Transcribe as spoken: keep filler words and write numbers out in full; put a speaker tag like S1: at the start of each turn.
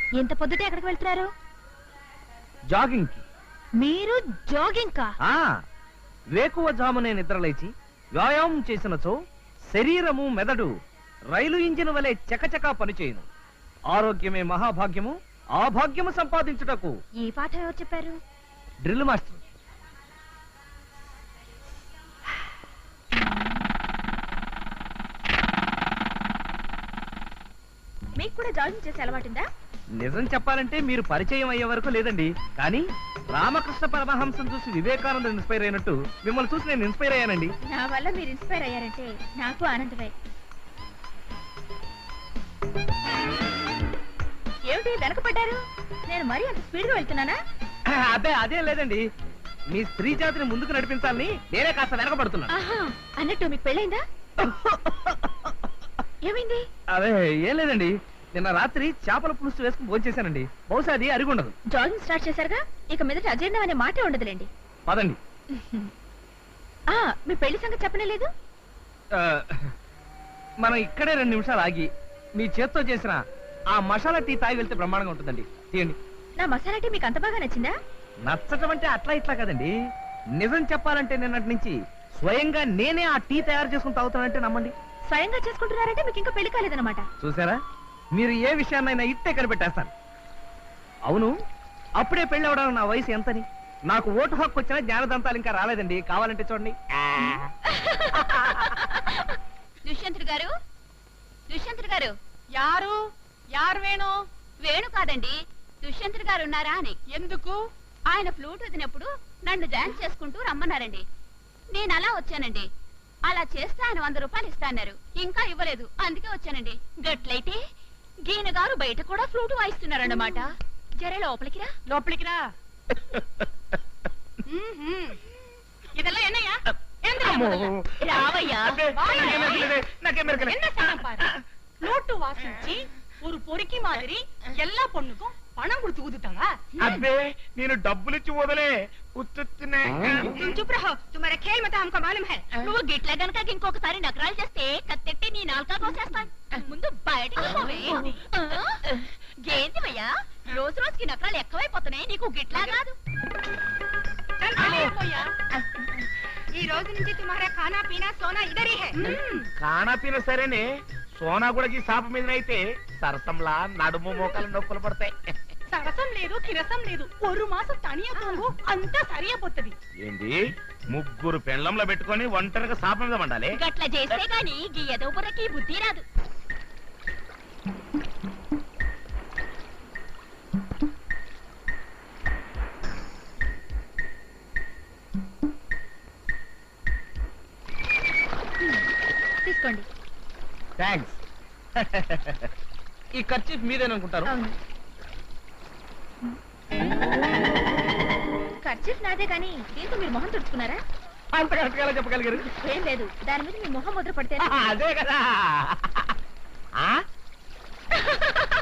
S1: ఎంత పొద్దుటే ఎక్కడికి వెళ్తున్నారు?
S2: జాగింగ్ కి.
S1: మీరు జాగింగ్ కా?
S2: వేకువ జామునే నిద్రలేచి వ్యాయామం చేసినచో శరీరము మెదడు రైలు ఇంజిన్ వలె చకచకా పనిచేయును. ఆరోగ్యమే మహాభాగ్యము. ఆ భాగ్యము సంపాదించుటకు
S1: ఈ పాఠం ఎవరు చెప్పారు?
S2: Drill master.
S1: మీకు కూడా జాగింగ్ చేసే అలవాటుందా?
S2: నిజం చెప్పాలంటే మీరు పరిచయం అయ్యే వరకు లేదండి. కానీ రామకృష్ణ పరమహంసం చూసి వివేకానంద ఇన్స్పైర్ అయినట్టు మిమ్మల్ని చూసి నేను ఇన్స్పైర్ అయ్యానండి.
S1: నా వల్ల మీరు ఇన్స్పైర్ అయ్యారంటే నాకు ఆనందమే. ఏమిటి వెనకపడ్డారు? నేను మరీ అంత స్పీడ్ గా వెళ్తున్నానా?
S2: అదే అదే లేదండి, మీ స్త్రీ జాతిని ముందుకు నడిపించాలని నేనే కాస్త వెనకబడుతున్నాను.
S1: అన్నట్టు మీకు పెళ్ళైందా? ఏమైంది?
S2: అదే ఏం లేదండి, నిన్న రాత్రి చేపల పులుసు వేసుకుని భోంచేశానండి. బహుశా అది అరిగుండదు.
S1: జాగింగ్ స్టార్ట్ చేశారుగా, ఇక మీదట అజీర్ణం అనే మాటే ఉండదులేండి.
S2: పదండి.
S1: మీ పెళ్లి సంగతి చెప్పనే లేదు.
S2: మనం ఇక్కడే రెండు నిమిషాలు ఆగి మీ చేత్తో చేసిన ఆ మసాలా టీ తాగి వెళ్తే బ్రహ్మాండంగా ఉంటుందండి. తీయండి.
S1: నా మసాలా టీ మీకు అంత బాగా నచ్చిందా?
S2: నచ్చటం అంటే అట్లా ఇట్లా కదండి, నిజం చెప్పాలంటే నిన్నటి నుంచి స్వయంగా నేనే ఆ టీ తయారు చేసుకుని తాగుతానంటే నమ్మండి.
S1: స్వయంగా చేసుకుంటున్నారంటే మీకు ఇంకా పెళ్లి కాలేదన్నమాట.
S2: చూసారా, మీరు ఏ విషయాన్నైనా ఇట్టే కనిపెట్టేస్తాను. అవును, అప్పుడే పెళ్లి అవడానికి నా వయసు ఎంతని? నాకు ఓటు హక్కు వచ్చినా జ్ఞానదంతాలు ఇంకా రాలేదండి. కావాలంటే చూడండి.
S1: దుష్యంతుడు గారు, దుష్యంతుడు గారు. యారు యారు వేణు? వేణు కాదండి, దుష్యంతుడు గారు ఉన్నారా అని. ఎందుకు? ఆయన ఫ్లూట్ వదినప్పుడు నన్ను డాన్స్ చేసుకుంటూ రమ్మన్నారండి. నేను అలా వచ్చానండి. అలా చేస్తే ఆయన వంద రూపాయలు ఇస్తాన్నారు, ఇంకా ఇవ్వలేదు, అందుకే వచ్చానండి. గట్లయితే గీన గారు బయట కూడా ఫ్లూట్ వాయిస్తున్నారన్నమాట. జర లోపలికి రా. లోపలికి రా. ఇదెల్లా ఎన్నయ్యా? రావయ్యా.
S3: ఫ్లూట్ వాసించి ஒரு பொறுக்கி மாதிரி எல்லா பொண்ணுக்கும் பணம் கொடுத்து ஊதுட்டாங்க.
S4: అబ్బే నేను డబ్బులు ఇచ్చి వదలే ఉత్తుత్తునే.
S3: चुप रहो, तुम्हारा खेल मत हमको मालूम है.
S1: నువ్వు గిట్ల గనక ఇంకొకసారి నకరాలు చేస్తే కత్తెట్టి నీ నాలుకా కోసేస్తాను. ముందు బయటికి పోవే. ఏంటివయ్యా, రోజు రోజుకి నకరాలు ఎక్కువైపోతున్నాయి. నీకు గిట్లా కాదు.
S3: ఈ రోజు నుంచి తుమ్హారా ఖానా పీనా సోనా ఇదరీ హై.
S4: ఖానా పీనా సరేనే, సోనా కూడా ఈ సాప మీద అయితే సరసంలా నడుము మోకాలు నొప్పులు పడతాయి.
S3: సరసం లేదు, కిరసం లేదు, ఒక మాసం తనియా తోంగు అంతా సరియపోతది.
S4: ఏంది ముగ్గురు పెండ్లంలో పెట్టుకొని ఒంటరిగా సాప మీద వండాలి?
S1: గట్ల చేస్తే గాని గీ ఎదో బుర్రకి బుద్ధి రాదు. తీసుకోండి.
S2: థ్యాంక్స్. ఈ ఖర్చు మీదేననుకుంటారు.
S1: ఖర్చు నాదే కానీ దీంతో మీరు మొహం తుడుచుకున్నారా?
S2: అంత కరెక్ట్గా చెప్పగలిగారు.
S1: ఏం లేదు, దాని మీద మీ మొహం ముద్ర పడితే.
S2: అదే కదా.